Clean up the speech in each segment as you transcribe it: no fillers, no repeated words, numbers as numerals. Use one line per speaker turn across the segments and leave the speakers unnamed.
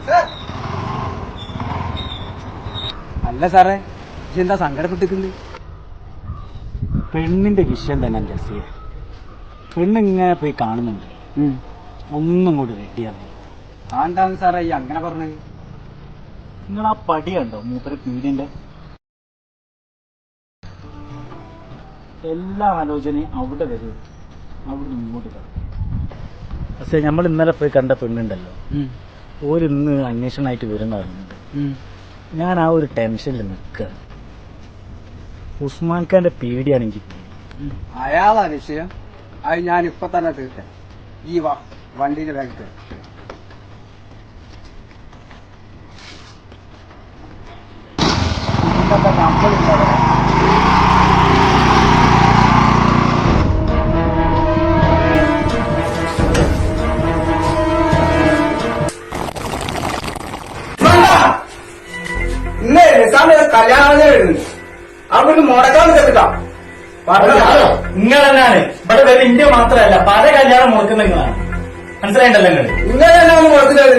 അല്ല സാറേ, ഇതെന്താ സങ്കടപ്പെട്ടിട്ടുണ്ട്?
പെണ്ണിന്റെ വിഷയം തന്നെ ജസ്സിയെ. പെണ്ണിങ്ങനെ പോയി കാണുന്നുണ്ട്, ഒന്നും കൂടി റെഡിയാണ്.
ആന്താന്ന് സാറേ ഈ അങ്ങനെ പറഞ്ഞത്?
നിങ്ങൾ ആ പടി കണ്ടോ മൂപ്പര് പീടിന്റെ? എല്ലാ ആലോചനയും അവിടെ വരും, അവിടെ ഇങ്ങോട്ട് വരും. പക്ഷെ നമ്മൾ ഇന്നലെ പോയി കണ്ട പെണ്ണുണ്ടല്ലോ, ഓരിന്ന് അന്വേഷണമായിട്ട് വരുന്നറിയുന്നുണ്ട്. ഞാൻ ആ ഒരു ടെൻഷനിൽ നിൽക്കുക. ഉസ്മാൻ ഖാന്റെ പേടിയാണെങ്കിൽ
അയാളാ വിഷയം. അത് ഞാൻ ഇപ്പൊ തന്നെ തീർക്കാം. ഈ വണ്ടിയുടെ ബാഗത്ത് ഇന്നേ കല്യാണം അവിടെ മുടക്കാൻ കേട്ടാ
നിങ്ങൾ തന്നെയാണ് ഇവിടെ വരെ ഇന്ത്യ മാത്രമല്ല പല കല്യാണം മുടക്കുന്ന നിങ്ങളാണ്. മനസ്സിലായിട്ടല്ലോ നിങ്ങൾ?
നിങ്ങൾ തന്നെയാണ് മുടക്കുന്നത്.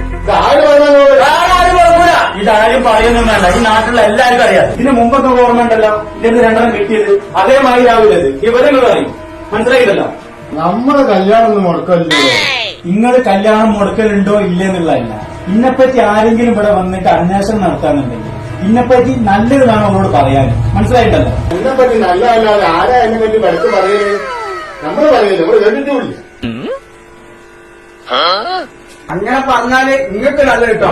ഇതാരും പറയുന്നൊന്നും വേണ്ട, ഈ നാട്ടിലുള്ള എല്ലാവർക്കും അറിയാം. ഇതിന് മുമ്പൊക്കെ ഓർമ്മ ഉണ്ടല്ലോ ഇതിന് രണ്ടെണ്ണം കിട്ടിയത്, അതേമാതിരി ആവില്ലത് വിവരങ്ങൾ പറയും. മനസ്സിലായിട്ടല്ലോ?
നമ്മള് കല്യാണം ഒന്നും മുടക്കല്ലോ.
നിങ്ങൾ കല്യാണം മുടക്കലുണ്ടോ ഇല്ലെന്നുള്ളതല്ല, ഇതിനെപ്പറ്റി ആരെങ്കിലും ഇവിടെ വന്നിട്ട് അന്വേഷണം നടത്താന്നുണ്ടെങ്കിൽ ഇതിനെപ്പറ്റി നല്ലത് വേണം അവരോട് പറയാൻ. മനസ്സിലായിട്ടല്ലോ?
ഇതിനെപ്പറ്റി നല്ലതല്ലാതെ ആരാ എന്നെ പറ്റി പഠിച്ച് പറയുന്നത്? നമ്മള് പറയുന്നത് നമ്മള് കേട്ടിട്ടില്ല.
അങ്ങനെ പറഞ്ഞാല് നിങ്ങൾക്ക് നല്ല കിട്ടോ?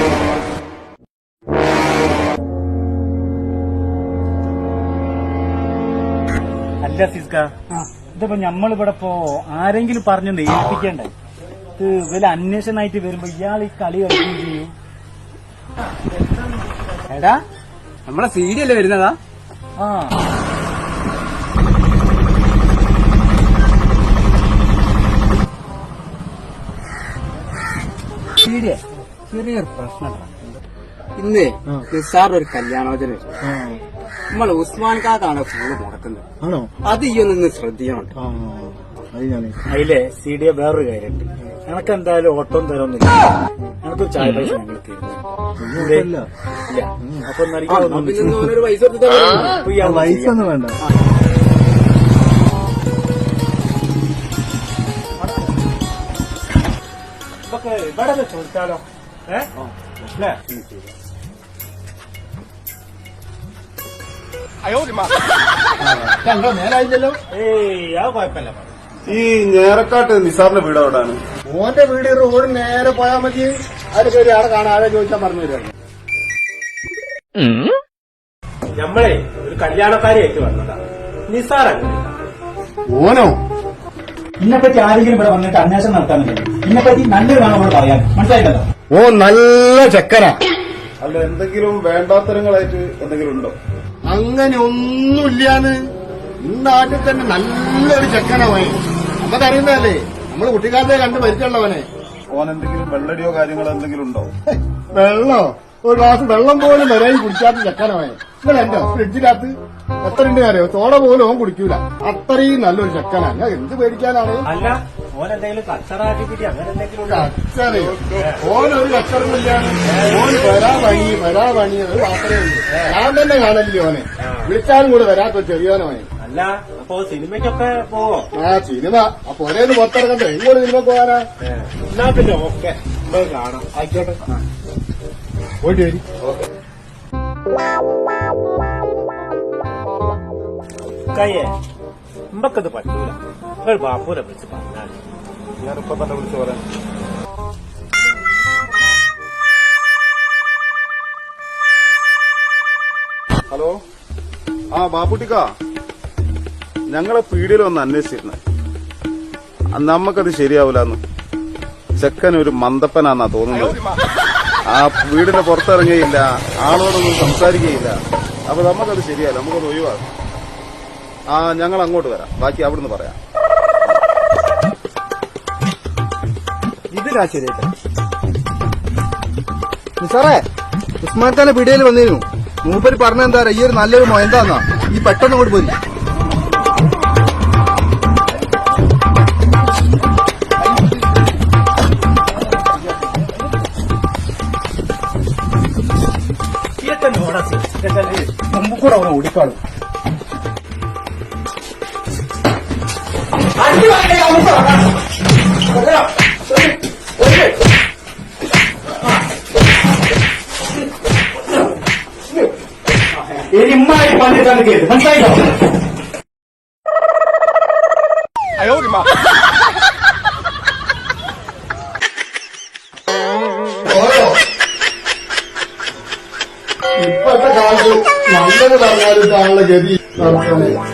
അല്ല സിസ്ക, ഇതിപ്പോ നമ്മളിവിടെ ഇപ്പോ ആരെങ്കിലും പറഞ്ഞൊന്ന് ഏൽപ്പിക്കണ്ടേ? ഇത് വലിയ അന്വേഷണമായിട്ട് വരുമ്പോ ഇയാൾ ഈ കളി കളിക്കുകയും ചെയ്യും.
എടാ, നമ്മളെ സീരിയല് വരുന്നതാ.
ആ
സീരിയ ചെറിയൊരു പ്രശ്നം. ഇന്ന് നിസാർ ഒരു കല്യാണോചന നമ്മൾ ഉസ്മാൻ കാക്കാണ് ഫുള്ള് മുടക്കുന്നത്.
ആണോ?
അത് ഈ ഒന്ന് ശ്രദ്ധിക്കണം.
അതിലെ സി ഡി വേറൊരു കാര്യമുണ്ട്. എനക്ക് എന്തായാലും ഓട്ടം തരൊന്നുമില്ല. എനക്കൊരു ചായ പൈസ ഞങ്ങൾ തരുന്നില്ല. അപ്പൊ
പൈസ ഒന്നും വേണ്ട.
ഇവിടെ ചോദിച്ചാലോ?
നേരായില്ലല്ലോ.
ഏയ് അത് കുഴപ്പമില്ല.
ഈ ഞേറക്കാട്ട് നിസാറിന്റെ വീട് എവിടെയാണ്? ഓന്റെ വീട് റോഡ് നേരെ പോയാൽ മതി. അതിന് പേര് ആടെ കാണാൻ ആരെ ചോദിച്ചാൽ പറഞ്ഞു തരാം.
നമ്മളെ ഒരു കല്യാണക്കാരിയായിട്ട് വന്നതാണ് നിസാറല്ല.
ഓനോ?
ഇതിനെപ്പറ്റി ആരെങ്കിലും ഇവിടെ വന്നിട്ട് അന്വേഷണം നടത്താനുണ്ടെങ്കിൽ ഇതിനെപ്പറ്റി നല്ലത് വേണം അവിടെ പറയാൻ. മനസ്സിലായിട്ടല്ലോ?
ഓ നല്ല ചെക്കനാ. അല്ല, എന്തെങ്കിലും വേണ്ടാത്തരങ്ങളായിട്ട് എന്തെങ്കിലും ഉണ്ടോ? അങ്ങനെ ഒന്നുമില്ലാന്ന്. ഈ നാട്ടിൽ തന്നെ നല്ലൊരു ചെക്കനവൻ. നമുക്കറിയുന്നതല്ലേ, നമ്മള് കുട്ടിക്കാലത്തെ കണ്ട് പരിചയമുള്ളവനെ. ഓൻ എന്തെങ്കിലും വെള്ളടിയോ കാര്യങ്ങളോ എന്തെങ്കിലും ഉണ്ടോ? വെള്ളോ? ഒരു ഗ്ലാസ് വെള്ളം പോലും വരാൻ കുടിക്കാത്ത ചെക്കനവൻ. നിങ്ങൾ എന്റെ ഫ്രിഡ്ജിനകത്ത് എത്ര ഉണ്ട് അറിയോ? തോട പോലും ഓൻ കുടിക്കൂല. അത്രയും നല്ലൊരു ചെക്കനാണ്. ഞാൻ എന്ത് പേടിക്കാനാണ്?
അല്ല, ഓനെന്തെങ്കിലും കച്ചറാക്കിപ്പിറ്റി അങ്ങനെ എന്തെങ്കിലും
കച്ചറ? ഓനൊരു കച്ചറമില്ലാണ്. ഓൻ വരാ പണി അത് മാത്രമേ ഉള്ളൂ. ഞാൻ തന്നെ കാണല്ലേ ഓനെ. വിളിച്ചാലും കൂടെ വരാത്ത ചെറിയോനോനെ.
അല്ല, അപ്പൊ സിനിമയ്ക്കൊക്കെ പോവോ?
ആ സിനിമ അപ്പൊ ഒരേന്ന് പുറത്തിറങ്ങട്ടെ. ഇങ്ങോട്ട് സിനിമ പോകാനാ?
എന്നാ പിന്നെ ഓക്കെ, കാണാം. ആയിക്കോട്ടെ,
പോയിട്ട് വരി.
കയ്യേ നമ്മക്കത് പറ്റൂല. ഒരു ബാപ്പൂരെ വിളിച്ച് പറഞ്ഞാൽ
ഞാനിപ്പോ തന്നെ വിളിച്ചു പറയാം. ഹലോ, ആ ബാപ്പുട്ടിക്ക, ഞങ്ങളെ പീടിയിൽ വന്ന് അന്വേഷിച്ചിരുന്നു. നമ്മക്കത് ശരിയാവൂലെന്ന്. ചെക്കൻ ഒരു മന്ദപ്പനാന്നാ തോന്നുന്നത്. ആ വീടിന്റെ പുറത്തിറങ്ങിയില്ല, ആളോടൊന്നും സംസാരിക്കുകയില്ല. അപ്പൊ നമുക്കത് ശരിയല്ല, നമുക്കത് ഒഴിവാക്കാം. ആ ഞങ്ങൾ അങ്ങോട്ട് വരാം, ബാക്കി അവിടുന്ന് പറയാം. ഇതിലാ ശരിയായിട്ട് സാറേ, ഉസ്മാൻ ഖാന്റെ പീടികയിൽ വന്നിരുന്നു. മൂപ്പര് പറഞ്ഞെന്താ ഈ ഒരു നല്ലൊരു മൊയന്താന്നാ. ഈ പെട്ടെന്ന് അങ്ങോട്ട് പോയി. കൂടെ അവനെ ഓടിക്കാളും.
ഇമ്മായി പണിട്ടാണ് കേട്ടത്, മനസ്സിലായിട്ടോ?
ഇപ്പോഴത്തെ കാലത്ത് നല്ലത് പറഞ്ഞാലും താങ്കളുടെ ഗതി നടത്തുന്നത്